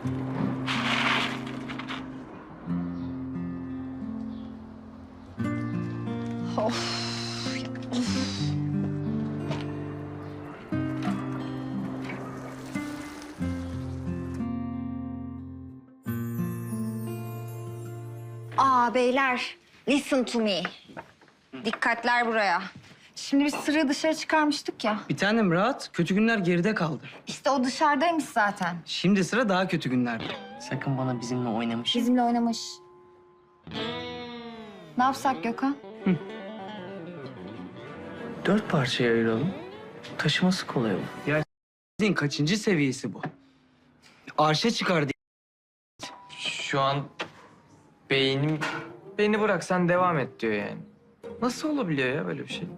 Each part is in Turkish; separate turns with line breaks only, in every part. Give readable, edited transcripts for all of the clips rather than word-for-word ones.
Of. Beyler, listen to me. Dikkatler buraya. Şimdi biz Sırrı'yı dışarı çıkarmıştık ya.
Bir tanem rahat. Kötü günler geride kaldı.
İşte o dışarıdaymış zaten.
Şimdi sıra daha kötü günlerde.
Sakın bana bizimle oynamış.
Bizimle oynamış. Ne yapsak Gökhan?
4 parçaya ayıralım. Taşıması kolay olur.
Sizin kaçıncı seviyesi bu? Arşa çıkardı.
Şu an beynim beni bırak sen devam et diyor yani. Nasıl olabiliyor ya böyle bir şey?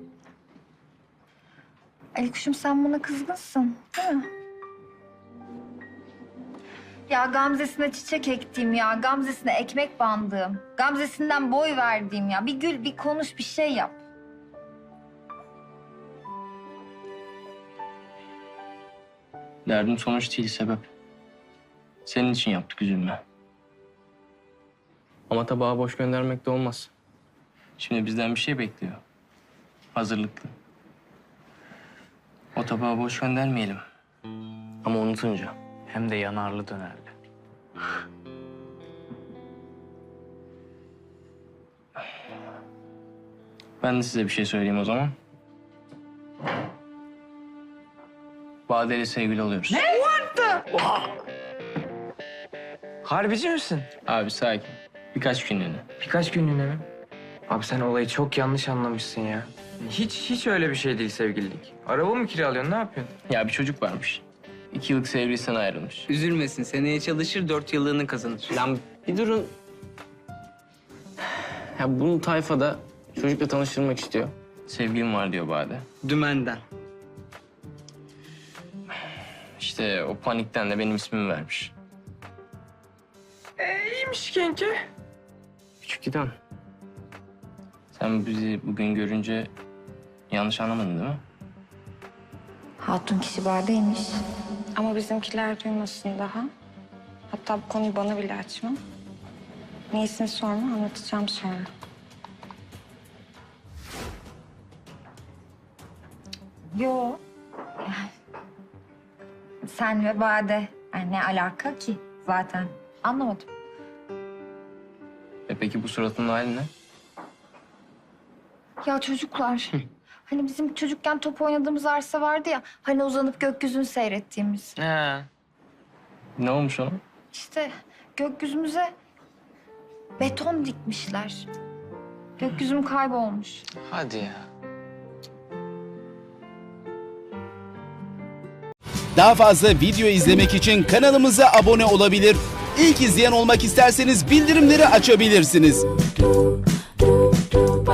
Ali kuşum sen buna kızgınsın, değil mi? Ya Gamze'sine çiçek ektiğim ya, Gamze'sine ekmek bandığım, Gamze'sinden boy verdiğim ya. Bir gül, bir konuş, bir şey yap.
Derdim sonuç değil, sebep. Senin için yaptık, üzülme. Ama tabağı boş göndermek de olmaz. Şimdi bizden bir şey bekliyor. Hazırlıklı. O tabağı boş göndermeyelim. Ama unutunca. Hem de yanarlı dönerli. Ben de size bir şey söyleyeyim o zaman. Bade ile sevgili oluyoruz. Ne?
Harbici misin?
Abi sakin. Birkaç günlüğüne.
Birkaç günlüğüne mi? Abi sen olayı çok yanlış anlamışsın ya. Hiç öyle bir şey değil sevgililik. Araba mı kiralıyorsun, ne yapıyorsun?
Ya bir çocuk varmış. 2 yıllık sevgilisinden ayrılmış.
Üzülmesin. Seneye çalışır, 4 yıllığını kazanır.
Lan bir durun. Ya bunu tayfada çocukla tanıştırmak istiyor. Sevgilim var diyor Bade.
Dümenden.
İşte o panikten de benim ismimi vermiş.
İyiymiş kanki.
Küçük giden. Sen bizi bugün görünce yanlış anlamadın değil mi?
Hatun kişi Bade'ymiş. Ama bizimkiler duymasın daha. Hatta bu konuyu bana bile açma. Niyesini sorma, anlatacağım sonra. Yo. Sen ve Bade. Yani ne alaka ki zaten? Anlamadım.
Peki bu suratının hali ne?
Ya çocuklar. Hani bizim çocukken top oynadığımız arsa vardı ya. Hani uzanıp gökyüzünü seyrettiğimiz.
He.
Ne olmuş ona?
İşte gökyüzümüze beton dikmişler. Gökyüzüm kaybolmuş.
Hadi ya.
Daha fazla video izlemek için kanalımıza abone olabilir. İlk izleyen olmak isterseniz bildirimleri açabilirsiniz.